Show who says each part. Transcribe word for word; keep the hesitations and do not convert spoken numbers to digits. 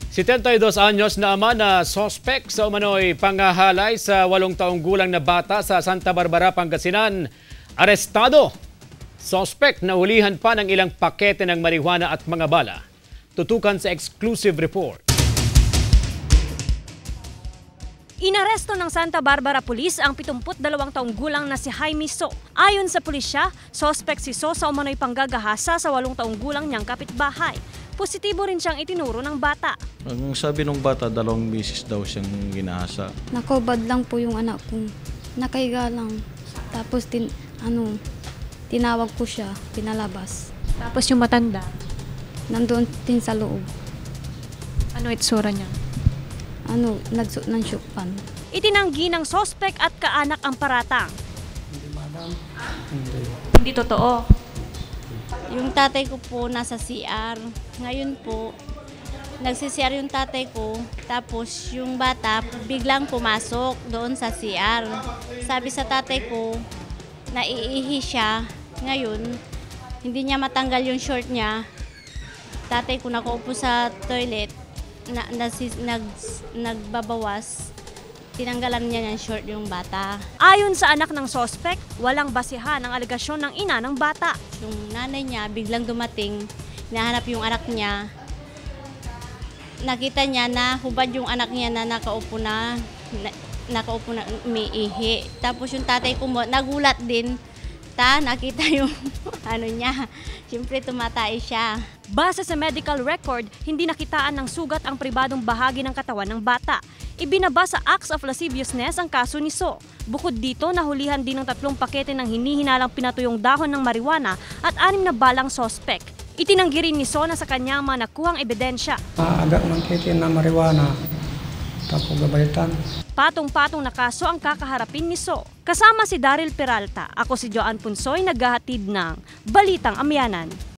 Speaker 1: setenta y dos anyos na ama na sospek sa umano'y panghahalay sa walong taong gulang na bata sa Santa Barbara, Pangasinan. Arestado! Sospek na hulihan pa ng ilang pakete ng marijuana at mga bala. Tutukan sa exclusive report.
Speaker 2: Inaresto ng Santa Barbara Police ang pitungput dalawang taong gulang na si Jaime So. Ayon sa pulisya, sospek si So sa umano'y panggagahasa sa walong taong gulang niyang kapitbahay. Positibo rin siyang itinuro ng bata.
Speaker 3: Ang sabi ng bata, dalawang misis daw siyang ginahasa.
Speaker 4: Nakobad lang po yung anak ko. Nakahiga lang. Tapos tin, ano, tinawag ko siya, pinalabas.
Speaker 2: Tapos yung matanda?
Speaker 4: Nandoon din sa loob.
Speaker 2: Ano itsura niya?
Speaker 4: Ano, nagsuot ng syukpan.
Speaker 2: Itinanggi ng sospek at kaanak ang paratang.
Speaker 5: Hindi, madam. Hindi.
Speaker 2: Hindi totoo.
Speaker 6: Yung tatay ko po nasa C R. Ngayon po, nagsi-C R yung tatay ko. Tapos yung bata biglang pumasok doon sa C R. Sabi sa tatay ko, naiihi siya. Ngayon, hindi niya matanggal yung short niya. Tatay ko nakaupo sa toilet, na, nasis, nag, nagbabawas. Tinanggalan niya ng short yung bata.
Speaker 2: Ayon sa anak ng sospek, walang basihan ang alegasyon ng ina ng bata.
Speaker 6: Yung nanay niya biglang dumating, nahanap yung anak niya. Nakita niya na hubad yung anak niya na nakaupo na, na nakaupo na umiihi. Tapos yung tatay ko mo, nagulat din. Ta, nakita yung ano niya. Siyempre tumatay siya.
Speaker 2: Base sa medical record, hindi nakitaan ng sugat ang pribadong bahagi ng katawan ng bata. Ibinaba sa acts of lasciviousness ang kaso ni So. Bukod dito, nahulihan din ng tatlong pakete ng hinihinalang pinatuyong dahon ng marijuana at anim na balang sospek. Itinanggi rin ni So na sa kanyang mga nakuhang ebidensya.
Speaker 5: Maaga ng kiti na marijuana. Tapos gabalitan.
Speaker 2: Patong-patong na kaso ang kakaharapin ni So. Kasama si Daryl Peralta, ako si Joan Punsoy, naghahatid ng Balitang Amyanan.